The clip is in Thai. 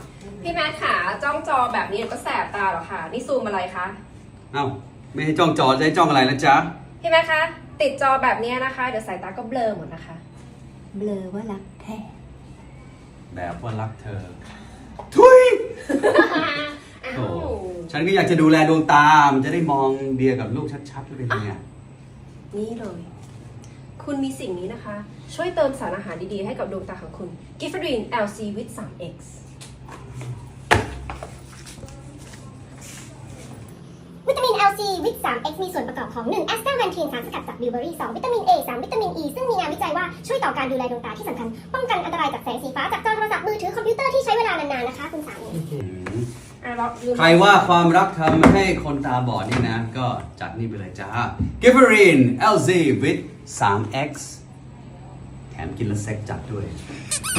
พี่แมทขาจ้องจอแบบนี้ก็แสบตาหรอคะนี่ซูมอะไรคะเอ้าไม่ให้จ้องจอจะให้จ้องอะไรนะจ๊ะพี่แมทคะติดจอแบบนี้นะคะเดี๋ยวสายตาก็เบลอหมดนะคะเบลอว่ารักแท้แบบว่ารักเธอ ทุย โอ้ฉันก็อยากจะดูแลดวงตา มันจะได้มองเดียกับลูกชัดๆว่าเป็นยังไงนี่เลย คุณมีสิ่งนี้นะคะ ช่วยเติมสารอาหารดีๆให้กับดวงตาของคุณ Giffordine LC with 3X วิตามิน LC วิต 3X มีส่วนประกอบของ 1. แอสตาแวนทีนสารสกัดจากบิวเบอรี่ 2. วิตามิน A 3. วิตามิน E ซึ่งมีงานวิจัยว่าช่วยต่อการดูแลดวงตาที่สำคัญ ป้องกันอันตรายจากแสงสีฟ้าจากจอโทรศัพท์มือถือคอมพิวเตอร์ที่ใช้เวลานานๆนะคะคุณสามีใครว่าความรักทำให้คนตาบอดนี่นะ ก็จัดนี่ไปเลยจ้า Giffordine LZ with 3X แถมกินแล้วเซ็กจัดด้วย